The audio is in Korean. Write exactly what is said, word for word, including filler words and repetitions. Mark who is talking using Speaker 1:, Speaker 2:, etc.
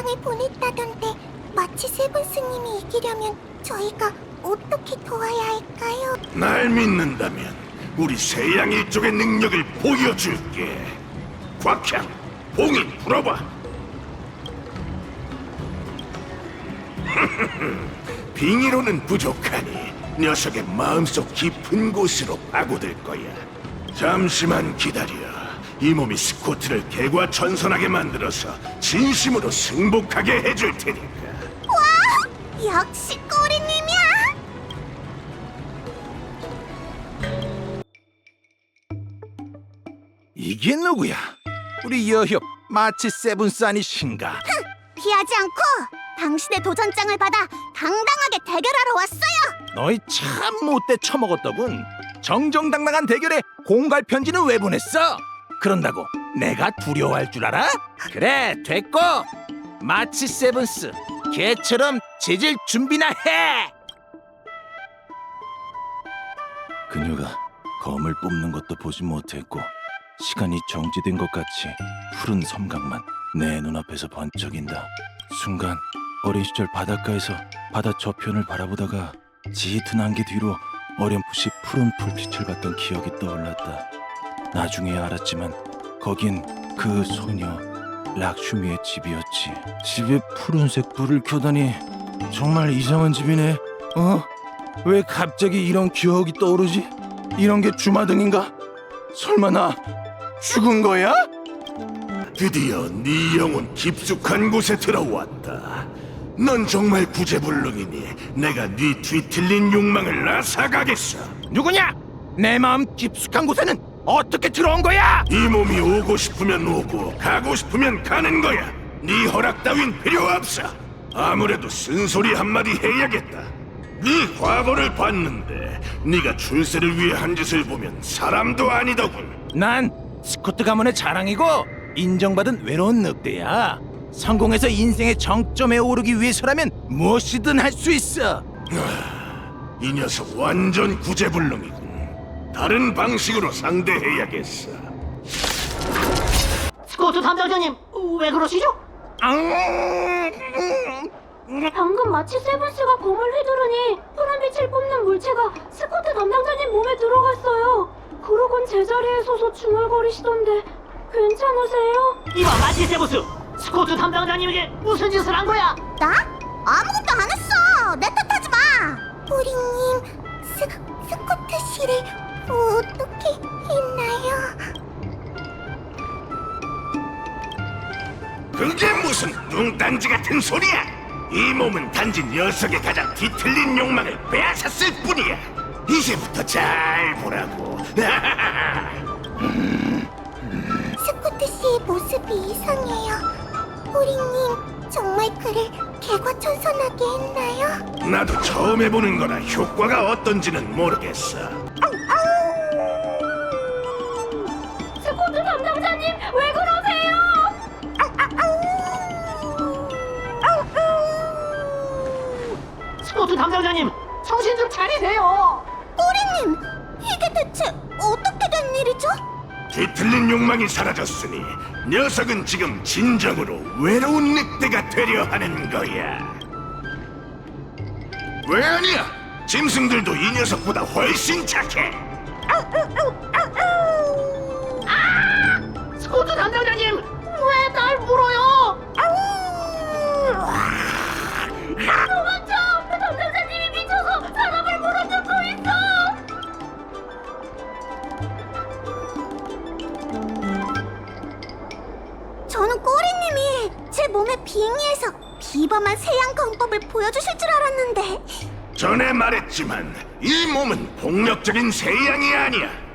Speaker 1: 영상을 보냈다던데 마치 세븐스님이 이기려면 저희가 어떻게 도와야 할까요?
Speaker 2: 날 믿는다면 우리 세양 일족의 능력을 보여줄게. 곽향, 봉이 불어봐. 빙의로는 부족하니 녀석의 마음속 깊은 곳으로 파고들 거야. 잠시만 기다려. 이 몸이 스코트를 개과천선하게 만들어서 진심으로 승복하게 해줄 테니까.
Speaker 1: 와! 역시 꼬리님이야!
Speaker 3: 이게 누구야? 우리 여협 마치 세븐스 아니신가?
Speaker 1: 피하지 않고 당신의 도전장을 받아 당당하게 대결하러 왔어요!
Speaker 3: 너희 참 못돼 처먹었더군. 정정당당한 대결에 공갈 편지는 왜 보냈어? 그런다고 내가 두려워할 줄 알아? 그래, 됐고. 마치 세븐스, 개처럼 짖을 준비나 해! 그녀가 검을 뽑는 것도 보지 못했고 시간이 정지된 것 같이 푸른 섬각만 내 눈앞에서 번쩍인다. 순간 어린 시절 바닷가에서 바다 저편을 바라보다가 짙은 안개 뒤로 어렴풋이 푸른 불빛을 봤던 기억이 떠올랐다. 나중에야 알았지만 거긴 그 소녀 락슈미의 집이었지. 집에 푸른색 불을 켜다니 정말 이상한 집이네. 어? 왜 갑자기 이런 기억이 떠오르지? 이런 게 주마등인가? 설마 나 죽은 거야?
Speaker 2: 드디어 네 영혼 깊숙한 곳에 들어왔다. 넌 정말 구제불능이니 내가 네 뒤틀린 욕망을 앗아가겠어.
Speaker 3: 누구냐? 내 마음 깊숙한 곳에는 어떻게 들어온 거야?
Speaker 2: 이 몸이 오고 싶으면 오고 가고 싶으면 가는 거야. 네 허락 따윈 필요 없어. 아무래도 쓴소리 한마디 해야겠다. 네 과거를 봤는데 네가 출세를 위해 한 짓을 보면 사람도 아니더군.
Speaker 3: 난 스코트 가문의 자랑이고 인정받은 외로운 늑대야. 성공해서 인생의 정점에 오르기 위해서라면 무엇이든 할 수 있어.
Speaker 2: 이 녀석 완전 구제불능이군. 다른 방식으로 상대해야겠어.
Speaker 4: 스코트 담당자님, 왜 그러시죠?
Speaker 5: 방금 마치 세븐스가 검을 휘두르니 푸른 빛을 뿜는 물체가 스코트 담당자님 몸에 들어갔어요. 그러곤 제자리에 서서 중얼거리시던데 괜찮으세요?
Speaker 4: 이봐, 마치 세부스! 스코트 담당자님에게 무슨 짓을 한 거야?
Speaker 1: 나? 아무것도 안 했어! 내 탓하지 마! 꼬리님, 스, 스코트 씨를 어떻게 했나요?
Speaker 2: 그게 무슨 뚱딴지 같은 소리야! 이 몸은 단지 녀석의 가장 뒤틀린 욕망을 빼앗았을 뿐이야. 이제부터 잘 보라고.
Speaker 1: 스코트 씨의 모습이 이상해요. 꼬리님, 정말 그를 개과천선하게 했나요?
Speaker 2: 나도 처음 해보는 거라 효과가 어떤지는 모르겠어.
Speaker 5: 스코트 담당자님 왜 그러세요?
Speaker 4: 스코트 담당자님, 정신 좀 차리세요!
Speaker 1: 꼬리님, 이게 대체 어떻게 된 일이죠?
Speaker 2: 뒤틀린 욕망이 사라졌으니 녀석은 지금 진정으로 외로운 늑대가 되려 하는 거야. 왜 아니야? 짐승들도 이 녀석보다 훨씬 착해.
Speaker 4: 스코트 담당자님, 왜 날 물어요?
Speaker 5: 도망쳐! 담당자님이 미쳐서 사람을 물어뜯고 있어!
Speaker 1: 저는 꼬리님이 제 몸에 빙의해서 비범한 세양 검법을 보여주실 줄 알았는데
Speaker 2: 전에 말했지만 이 몸은 폭력적인 세양이 아니야.